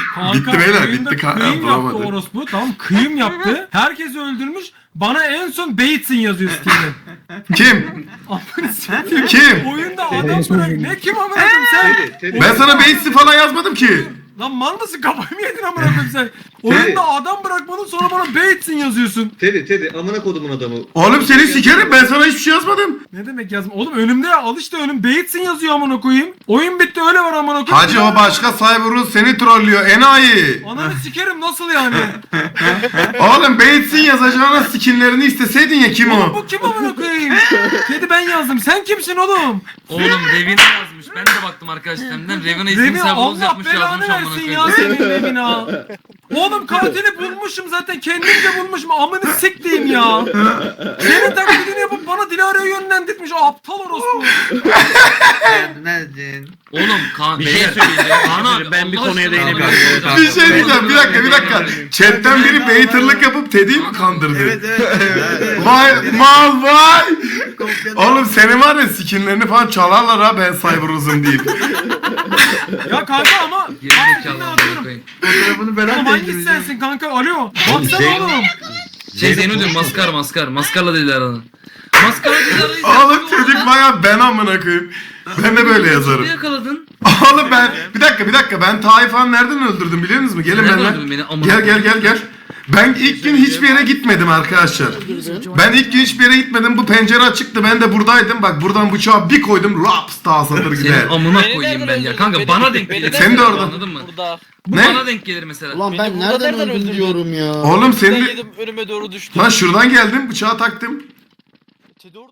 Bitti beyler, oyunda bitti kanka, Kıyım yaptı bulamadı. orospu. Tamam kıyım yaptı. Herkesi öldürmüş. Bana en son Bates'in yazıyor Steam'de. Kim? Amına sikeyim. Kim? Oyunda adam bırak. Ne kim amına koyayım sen? Ben sana Bates'i falan yazmadım ki. Lan mal mısın, kafayı mı yedin amına koyayım sen? Oyunda adam bırakmadın, sonra bana Bates'in yazıyorsun. Teddy amına kodumun adamı. Oğlum seni sikerim, ben sana hiçbir şey yazmadım. Ne demek yazma? Oğlum önümde ya, al işte önüm Bates'in yazıyor amına koyayım. Oyun bitti, öyle var amına koyayım. Hacı o başka Cyberus seni trollüyor enayi. Ananı sikerim, nasıl yani? Oğlum Bates'in yazacağına skinlerini isteseydin ya, kim Oğlum o? bu kim amına koyayım? Dedi ben yazdım. Sen kimsin oğlum? Oğlum Revina yazmış. Ben de baktım arkadaş sistemden. Revina isim Revina sabunuz Allah yapmış, belanı yazmış amına versin ya koyayım. senin Revina. Oğlum katili bulmuşum zaten, kendimce bulmuşum, amını sikleyeyim ya. Senin taklidini yapıp bana Dilara'ya yönlendirmiş o aptal orospu. Neredin? Oğlum Kaan Bir şey beyler. söyleyeceğim. Kaan abi, Ben bir Allah konuya aşkına değinebilirim. amına koyayım. Bir şey diyeceğim, bir dakika. Chatten biri baiterlık yapıp Teddy'yi mi kandırdı? Evet. Vay mal vay. Kopyala. Oğlum senin var ya skinlerini falan çalarlar ha, ben Cyberus'um deyip. Ya kanka ama Geri zekalı ne amına atıyorum? koyayım. Fotoğrafını ben Oğlum hangisi değiştireceğim. sensin kanka? Alo. Baksana Zeynep- oğlum. Zeyno diyorum, maskar. Maskarla Dilara'nın. Maskarla Dilara'yı Oğlum çocuk baya ben amına koyayım. Ben de böyle yazarım. Ne yakaladın? Oğlum ben bir dakika ben Taifan nereden öldürdüm biliyor musunuz? Gelin Nereden benimle. öldürdün beni? Amına Gel. Ben ilk gün hiçbir yere gitmedim arkadaşlar. Ben ilk gün hiçbir yere gitmedim. Bu pencere açıktı. Ben de buradaydım. Bak buradan bıçağı bir koydum. Raps daha satır gider. Senin amına Beni koyayım nereden ben ya. öldürdün? Kanka Beni- bana denk beni gelir. Sen de orada. Anladın mı? Burada. Bu Ne? bana denk gelir mesela. Ulan Beni ben burada nereden nereden öldüm öldürdün? diyorum ya. Oğlum Ben senin... yedim, önüme doğru düştü. Lan şuradan geldim bıçağı taktım. Teddy orada